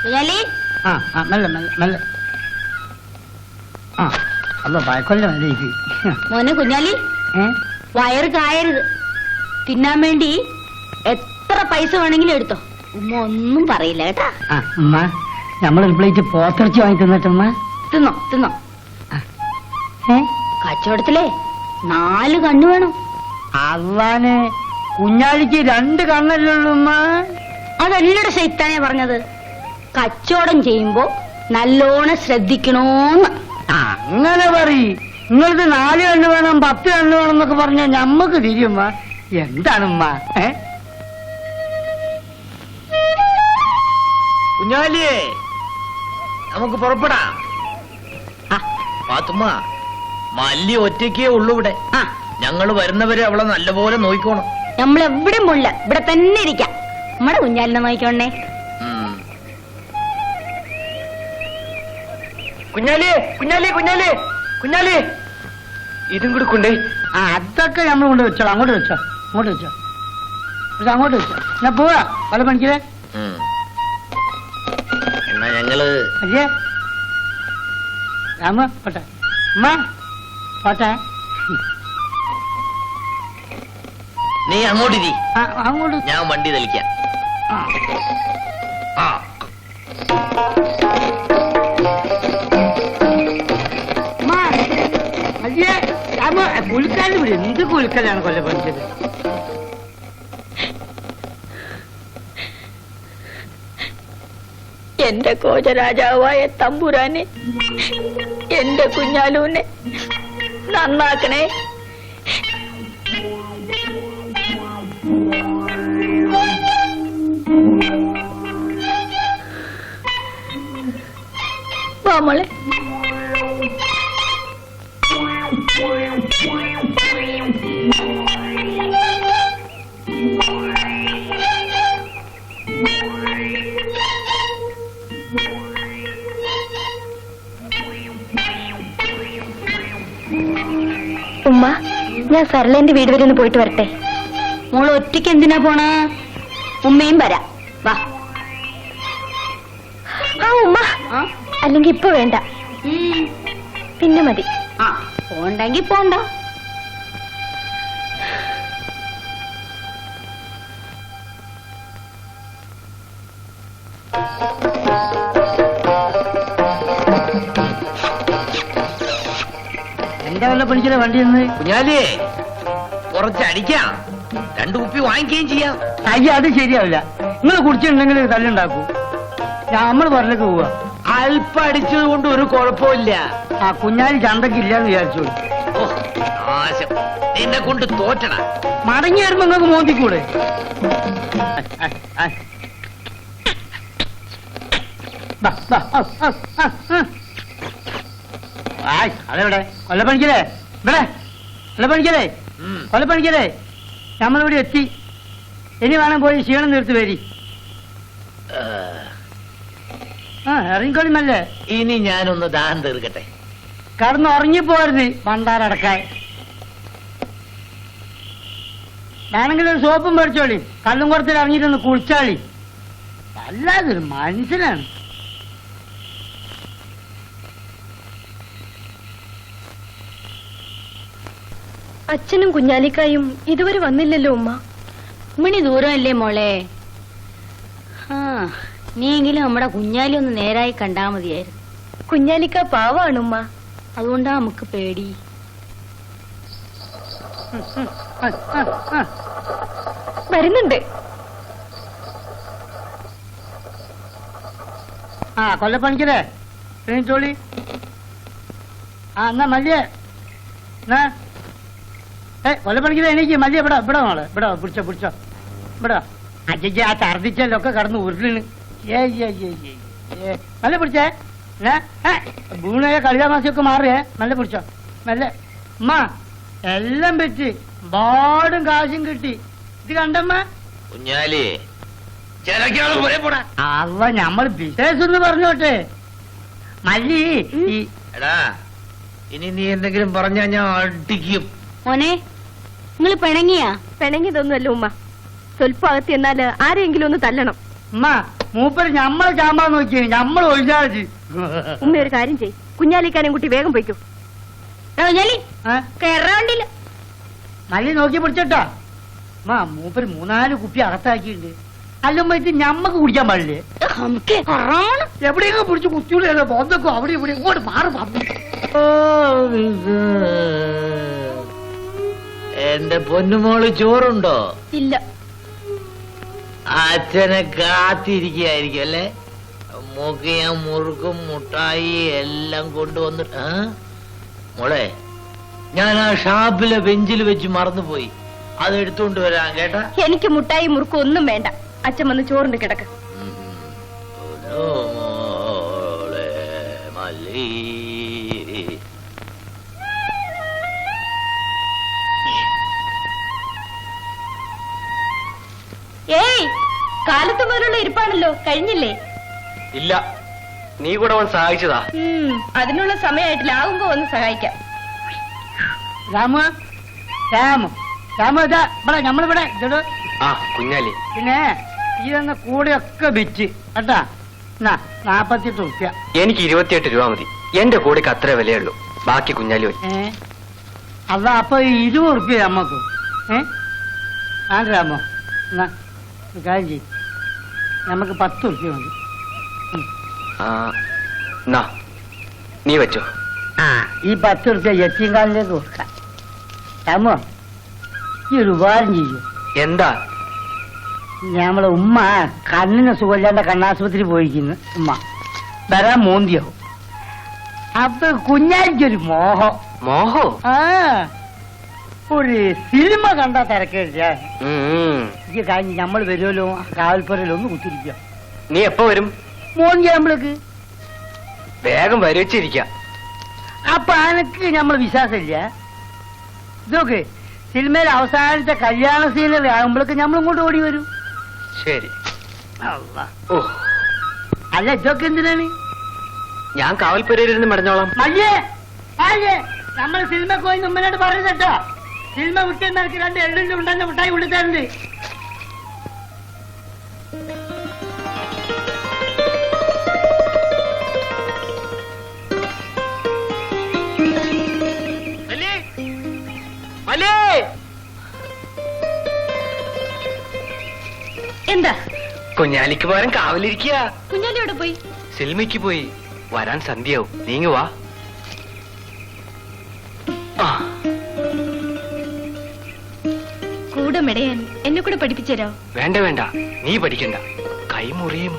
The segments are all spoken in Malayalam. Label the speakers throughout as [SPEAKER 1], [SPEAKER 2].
[SPEAKER 1] മോനെ കുഞ്ഞാലി, വയറ് കായരുത്. തിന്നാൻ വേണ്ടി എത്ര പൈസ വേണമെങ്കിലും എടുത്തോ. ഉമ്മ ഒന്നും പറയില്ല കേട്ടാ.
[SPEAKER 2] നമ്മളൊരു പ്ലേറ്റ് പോത്തിറച്ചി വാങ്ങി തിന്നിട്ടമ്മ.
[SPEAKER 1] തിന്നോ തിന്നോ. കച്ചവടത്തിലെ 4 കണ്ണു വേണം.
[SPEAKER 2] അള്ളാനെ, കുഞ്ഞാലിക്ക് 2 കണ്ണല്ലുള്ളൂ.
[SPEAKER 1] അതല്ലയുടെ ശൈത്താനെ പറഞ്ഞത്. കച്ചവടം ചെയ്യുമ്പോ നല്ലോണം ശ്രദ്ധിക്കണോന്ന്.
[SPEAKER 2] അങ്ങനെ പറയ്. നിങ്ങൾക്ക് 4 കണ്ണ് വേണം, 10 കണ്ണ് വേണം എന്നൊക്കെ പറഞ്ഞാൽ ഞമ്മക്ക് തിരിയുമ്മ. എന്താണുമ്മ?
[SPEAKER 3] കുഞ്ഞാലിയേ, നമുക്ക് പുറപ്പെടാം. പാത്തുമ്മ, മല്ലി ഒറ്റയ്ക്കേ ഉള്ളൂ ഇവിടെ. ഞങ്ങള് വരുന്നവരെ അവളെ നല്ലപോലെ നോക്കിക്കോണം.
[SPEAKER 1] നമ്മളെവിടെ മുള്ള ഇവിടെ തന്നെ ഇരിക്കാം. നമ്മുടെ കുഞ്ഞാലിനെ നോക്കിക്കോണേ.
[SPEAKER 3] കുഞ്ഞാലി കുഞ്ഞാലി കുഞ്ഞാലി കുഞ്ഞാലി, ഇതും കൂടെ കൊണ്ടേ.
[SPEAKER 2] അതൊക്കെ നമ്മൾ കൊണ്ട് വെച്ചോ. അങ്ങോട്ട് വെച്ചോ, അങ്ങോട്ട് വെച്ചോ, അങ്ങോട്ട് വെച്ചോ. ഞാൻ പോവാ. പല പണിക്കേ
[SPEAKER 3] എന്നാ ഞങ്ങള്
[SPEAKER 2] അല്ലേ രാമ പോട്ടെ. അമ്മ പോട്ടെ.
[SPEAKER 3] നീ അങ്ങോട്ടിരി,
[SPEAKER 2] അങ്ങോട്ട്.
[SPEAKER 3] ഞാൻ വണ്ടി തെളിക്കാം.
[SPEAKER 2] അയ്യേ രാമ, കുൽക്കാല് വിടും. എന്ത് കുൽക്കലാണ് കൊല്ല പഠിച്ചത്?
[SPEAKER 1] എന്റെ കോചരാജാവായ തമ്പുരാനെ, എന്റെ കുഞ്ഞാലൂനെ നന്നാക്കണേ. മോളെ,
[SPEAKER 4] ഉമ്മ, ഞാൻ സർലേന്റെ വീട് വരെ ഒന്ന് പോയിട്ട് വരട്ടെ.
[SPEAKER 1] മോള് ഒറ്റയ്ക്ക് എന്തിനാ പോണ? ഉമ്മയും വരാം, വാ.
[SPEAKER 4] ഉമ്മ, അല്ലെങ്കിൽ ഇപ്പൊ വേണ്ട, പിന്നെ മതി.
[SPEAKER 1] പോണ്ടെങ്കി പോണ്ട.
[SPEAKER 2] എന്താ വല്ല പഠിക്കുന്ന വണ്ടി നിന്ന്?
[SPEAKER 3] കുഞ്ഞാലിയേ, കുറച്ചടിക്കാം, 2 കുപ്പി വാങ്ങിക്കുകയും ചെയ്യാം.
[SPEAKER 2] അയ്യ, അത് ശരിയാവില്ല. നിങ്ങൾ കുടിച്ചിട്ടുണ്ടെങ്കിൽ തല്ലുണ്ടാക്കൂ. നമ്മൾ പറഞ്ഞിലേക്ക് പോവാ.
[SPEAKER 3] അല്പം അടിച്ചത് കൊണ്ട് ഒരു കുഴപ്പമില്ല.
[SPEAKER 2] കുഞ്ഞാലി ചന്തക്ക് ഇല്ലാന്ന് വിചാരിച്ചോളൂ.
[SPEAKER 3] നാശം, നിന്നെ കൊണ്ട് തോറ്റണ.
[SPEAKER 2] മടങ്ങി വരുമ്പോ നിങ്ങൾക്ക് മോന്തിക്കൂടെ? അതെവിടെ കൊല്ലപ്പണിക്കലേ? ഇവിടെ കൊല്ലപ്പണിക്കലേ, കൊല്ലപ്പണിക്കലേ, നമ്മളിവിടെ എത്തി. ഇനി വേണം പോയി ക്ഷീണം നിർത്തി വരി. ഇറങ്ങിക്കോളിമല്ലേ.
[SPEAKER 3] ഇനി ഞാനൊന്ന് ദാഹം തീർക്കട്ടെ.
[SPEAKER 2] കടന്ന് ഉറങ്ങിപ്പോരുത് പണ്ടാരടക്കാൻ. വേണമെങ്കിൽ ഒരു സോപ്പും മേടിച്ചോളി. കല്ലും കുറത്തിൽ ഇറങ്ങിയിട്ടൊന്ന് കുളിച്ചാളി. അല്ലാതൊരു മനുഷ്യനാണ്.
[SPEAKER 4] അച്ഛനും കുഞ്ഞാലിക്കായും ഇതുവരെ വന്നില്ലല്ലോ ഉമ്മ.
[SPEAKER 1] മണി ദൂരമല്ലേ മോളെ? നീയെങ്കിലും നമ്മുടെ കുഞ്ഞാലി ഒന്ന് നേരായി കണ്ടാ മതിയായിരുന്നു.
[SPEAKER 4] കുഞ്ഞാലിക്ക പാവാണ് ഉമ്മ,
[SPEAKER 1] അതുകൊണ്ടാ നമുക്ക് പേടി.
[SPEAKER 4] വരുന്നുണ്ട്.
[SPEAKER 2] കൊല്ലപ്പണിക്കലേ, ചോളി. എന്നാ മല്ലിയെ, കൊല്ലപ്പണിക്കലേ, എനിക്ക് മല്ലിയ ഇവിടെ ഇവിടെ മോളെ, ഇവിടെ പിടിച്ചോ പിടിച്ചോ, ഇവിടെ. അജയ്ക്ക് ആ ഛർദിച്ചല്ലൊക്കെ കടന്ന് ഉരുളിന്. നല്ല പിടിച്ചേ. വീണയെ കളിതാമാസിയൊക്കെ മാറിയേ. നല്ല പിടിച്ചോ, നല്ല. അമ്മ എല്ലാം പറ്റി, പാടും കാശും കിട്ടി. ഇത് കണ്ടമ്മ.
[SPEAKER 3] കുഞ്ഞാലി,
[SPEAKER 2] അവ നമ്മൾ ബിസിനസ് ഒന്ന് പറഞ്ഞോട്ടെ. മല്ലി,
[SPEAKER 3] എടാ, ഇനി നീ എന്തെങ്കിലും പറഞ്ഞാ ഞാൻ അടിക്കും.
[SPEAKER 1] മോനെ, നിങ്ങൾ പിണങ്ങിയാ?
[SPEAKER 4] പിണങ്ങിയതൊന്നുമല്ല ഉമ്മ, സ്വല്പം അകത്ത് എന്നാല് ആരെങ്കിലും ഒന്ന് തല്ലണം.
[SPEAKER 2] അമ്മ മൂപ്പര് ഞമ്മളെ ചാമ്പാൻ നോക്കിയ ഞമ്മൾ ഒഴിഞ്ഞാൽ
[SPEAKER 4] ഉമ്മ ഒരു കാര്യം ചെയ്, കുഞ്ഞാലിക്കാനും കുട്ടി വേഗം പോയിക്കോ.
[SPEAKER 1] കുഞ്ഞാലി കേറാണ്ടില്ല.
[SPEAKER 2] മല്ലി നോക്കി പിടിച്ചോട്ടാ. മൂപ്പര് 3-4 കുപ്പി അകത്താക്കിയിട്ടുണ്ട്. അല്ലുമ്പോ ഇത് ഞമ്മക്ക് കുടിക്കാൻ പാടില്ലേ?
[SPEAKER 1] നമുക്ക് കൊറോണ
[SPEAKER 2] എവിടെയൊക്കെ പിടിച്ച് കുത്തിയുള്ളൂ ബോധക്കോ അവിടെ ഇവിടെ ഇങ്ങോട്ട് മാറി പറഞ്ഞു.
[SPEAKER 3] എന്റെ പൊന്നുമോള് ചോറുണ്ടോ?
[SPEAKER 1] ഇല്ല.
[SPEAKER 3] അച്ഛനെ കാത്തിരിക്കുകയായിരിക്കും അല്ലേ? മൂക്ക് ഞാൻ മുറുക്കും മുട്ടായി എല്ലാം കൊണ്ടുവന്നിട്ട്. മോളെ, ഞാൻ ആ ഷാപ്പിലെ ബെഞ്ചിൽ വെച്ച് മറന്നുപോയി, അത് എടുത്തുകൊണ്ട് വരാൻ കേട്ടാ.
[SPEAKER 4] എനിക്ക് മുട്ടായി മുറുക്കും ഒന്നും വേണ്ട. അച്ഛൻ വന്ന് ചോറിന്റെ കിടക്ക്.
[SPEAKER 3] മോളെ മല്ലി,
[SPEAKER 1] ഏയ്, കാലത്ത് മുതലുള്ള ഇരിപ്പാണല്ലോ, കഴിഞ്ഞില്ലേ?
[SPEAKER 5] ഇല്ല, നീ കൂടെ വന്ന് സഹായിച്ചതാ.
[SPEAKER 1] അതിനുള്ള സമയമായിട്ടില്ല, ആകുമ്പോ ഒന്ന് സഹായിക്കാം.
[SPEAKER 2] രാമു രാമു രാമു ഇതാ ഇവിടെ നമ്മളിവിടെ ഇതോ.
[SPEAKER 5] ആ കുഞ്ഞാലി,
[SPEAKER 2] പിന്നെ ഈ തന്ന കൂടെയൊക്കെ വിറ്റ് കേട്ടാ. 48 റുപ്യ.
[SPEAKER 5] എനിക്ക് 28 രൂപ മതി. എന്റെ കൂടെക്ക് അത്രേ വിലയുള്ളൂ. ബാക്കി കുഞ്ഞാലി പോയി.
[SPEAKER 2] അല്ല അപ്പൊ 20 റുപ്യ നമ്മക്ക്. രാമോ എന്നാ ഒരു കാര്യം ചെയ്യും, നമുക്ക് 10 റുപ്യ മതി.
[SPEAKER 5] നീ വെച്ചോ.
[SPEAKER 2] ഈ 10 റുപ്യ യത്തീംകാലിലേക്ക് കൊടുക്കാം. രാമോ, ഈ ഒരു ഉപകാരം ചെയ്യൂ.
[SPEAKER 5] എന്താ?
[SPEAKER 2] നമ്മളെ ഉമ്മ കണ്ണിന് സുഖമില്ലാണ്ട് കണ്ണാശുപത്രി പോയിരിക്കുന്നു. ഉമ്മ വരാൻ മോന്തിയാവും. അപ്പൊ കുഞ്ഞാലിക്കൊരു മോഹം.
[SPEAKER 5] മോഹോ?
[SPEAKER 2] ഒരു സിനിമ കണ്ടാ തിരക്കേടില്ല. ഈ കഴിഞ്ഞ് നമ്മൾ വരുമല്ലോ, കാവൽപ്പുരയിൽ ഒന്ന് കുത്തിരിക്കുക.
[SPEAKER 5] നീ എപ്പോ വരും?
[SPEAKER 2] മോന്തി നമ്മൾക്ക്
[SPEAKER 5] വേഗം വരച്ചിരിക്ക.
[SPEAKER 2] അപ്പൊ അനക്ക് നമ്മൾ വിശ്വാസമില്ല. ഇതൊക്കെ സിനിമയിൽ അവസാനത്തെ കല്യാണ സീനറി ആകുമ്പോഴേക്ക് നമ്മൾ ഇങ്ങോട്ട് ഓടി വരും.
[SPEAKER 5] ശരി.
[SPEAKER 2] ഓ അല്ല, ഇതൊക്കെ എന്തിനാണ്?
[SPEAKER 5] ഞാൻ കാവൽപ്പുരയിരുന്ന് മടഞ്ഞോളാം.
[SPEAKER 2] മയ്യേ അയ്യേ, നമ്മൾ സിനിമ പോയി മുമ്പിലോട്ട് പറയുന്നട്ടോ. സിനിമ വിട്ട് നിനക്ക് 2 എള്ളിന്റെ ഉണ്ടെന്ന് മിഠായി കൊടുത്തരുണ്ട്.
[SPEAKER 1] എന്താ?
[SPEAKER 5] കുഞ്ഞാലിക്ക് പകരം കാവലിരിക്കുക.
[SPEAKER 1] കുഞ്ഞാലി എവിടെ പോയി?
[SPEAKER 5] സിനിമയ്ക്ക് പോയി. വരാൻ സന്ധ്യയാവും. നീങ്ങുവാ.
[SPEAKER 1] കൂടെ മെടയാൻ എന്നെ കൂടെ പഠിപ്പിച്ചരോ?
[SPEAKER 5] വേണ്ട വേണ്ട, നീ പഠിക്കണ്ട, കൈമുറിയും.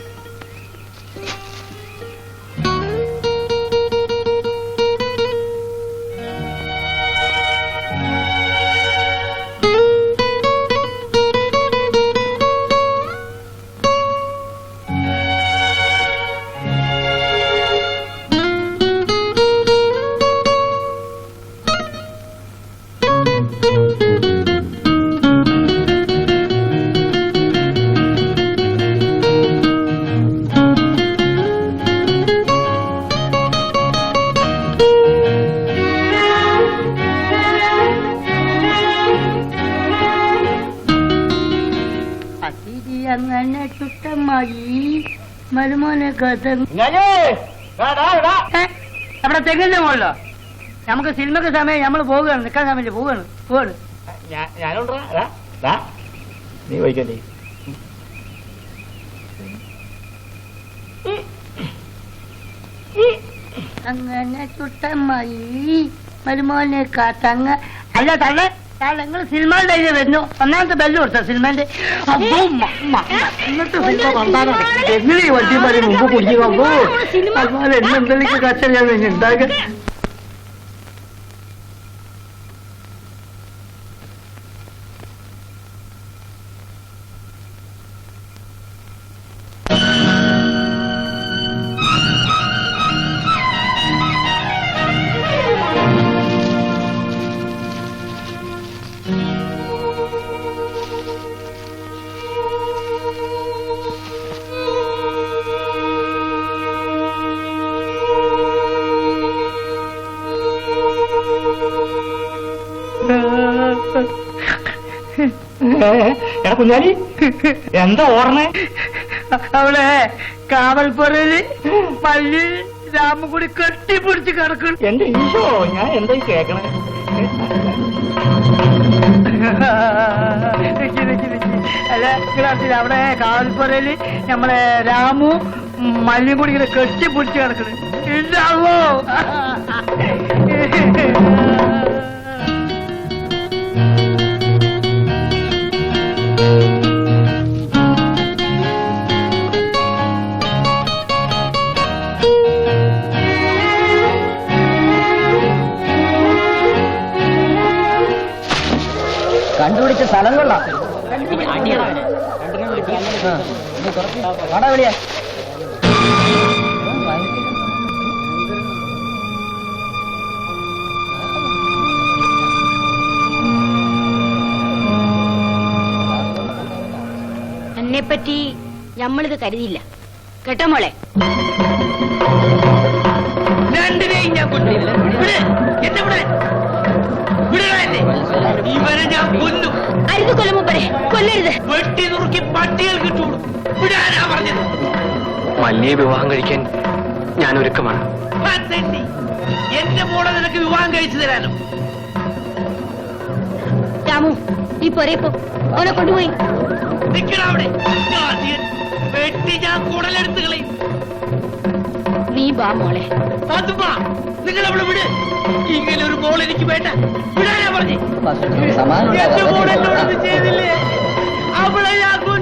[SPEAKER 2] അങ്ങനെ ചുട്ടമായി മരുമോനെ അവിടെ തെങ്ങിന്റെ മുകളിലോ? നമുക്ക് സിനിമക്ക് സമയം, നമ്മൾ പോവുകയാണ്, നിൽക്കാൻ സമയമില്ല, പോവാണ്.
[SPEAKER 3] നീ വൈകല്ലേ?
[SPEAKER 2] അങ്ങനെ ചുട്ടമായി മരുമോനെ കാത്തങ്ങ. അല്ല തള്ളേ, നിങ്ങൾ സിനിമ ഡൈരി വരുന്നു. 1ാമത്തെ ബെല്ല് കൊടുത്ത സിനിമന്റെ. ഇന്നത്തെ സിനിമ കണ്ടാലോ എങ്ങനെ വണ്ടിമാരെ മുമ്പ് കുടിക്കുമ്പോ അതുപോലെ എന്നെന്തെങ്കിലും കച്ച ഞാൻ ഉണ്ടാക്കുക.
[SPEAKER 6] കുഞ്ഞാലി എന്താ ഓർമ്മ?
[SPEAKER 2] അവിടെ കാവൽപ്പുരയില് മല്ലി രാമും കൂടി കെട്ടിപ്പിടിച്ച് കിടക്കണം.
[SPEAKER 6] എന്റെ ഈശോ, ഞാൻ എന്തായി കേക്കണേ?
[SPEAKER 2] അല്ല ക്ലാസ്സിൽ അവിടെ കാവൽപ്പുരയില് നമ്മളെ രാമു മല്ലിയും കൂടി ഇങ്ങനെ കെട്ടിപ്പിടിച്ച് കിടക്കണം. ഇല്ലാവോ?
[SPEAKER 6] കണ്ടുപിടിച്ച സ്ഥലം കൊള്ളാം. വിളിയാ
[SPEAKER 1] എന്നെപ്പറ്റി നമ്മളിത് കരുതിയില്ല കേട്ടോ മോളെ.
[SPEAKER 3] രണ്ടിനെയും ഞാൻ കൊണ്ടില്ല. എന്നെ ഇവിടെ ഇവരെ ഞാൻ കൊല്ലും.
[SPEAKER 1] അരുത് കൊല്ലുമ്പരെ കൊല്ലരുത്.
[SPEAKER 3] വെട്ടി നുറുക്കി പട്ടികൾ കിട്ടുള്ളൂ. വിടാനാ പറഞ്ഞത്.
[SPEAKER 5] മല്ലിയെ വിവാഹം കഴിക്കാൻ ഞാൻ ഒരുക്കമാണ്.
[SPEAKER 3] എന്റെ മോളെ നിനക്ക് വിവാഹം കഴിച്ചു തരാനോ?
[SPEAKER 1] രാമു നീ പോരേപ്പോ ഓനെ കൊണ്ടുപോയി.
[SPEAKER 3] നിൽക്കണ അവിടെ. വെട്ടി ഞാൻ കുടലെടുത്ത് കളയും.
[SPEAKER 1] നീ ബാ മോളെ.
[SPEAKER 3] അതുമ്മാ നിങ്ങൾ അവിടെ വിട്. ഇങ്ങനെ ഒരു മോൾ എനിക്ക് വേണ്ട. വിടാനാ പറഞ്ഞേ. എന്റെ മോൾ എന്നോടൊന്നും ചെയ്തില്ലേ? അവളെ ഞാൻ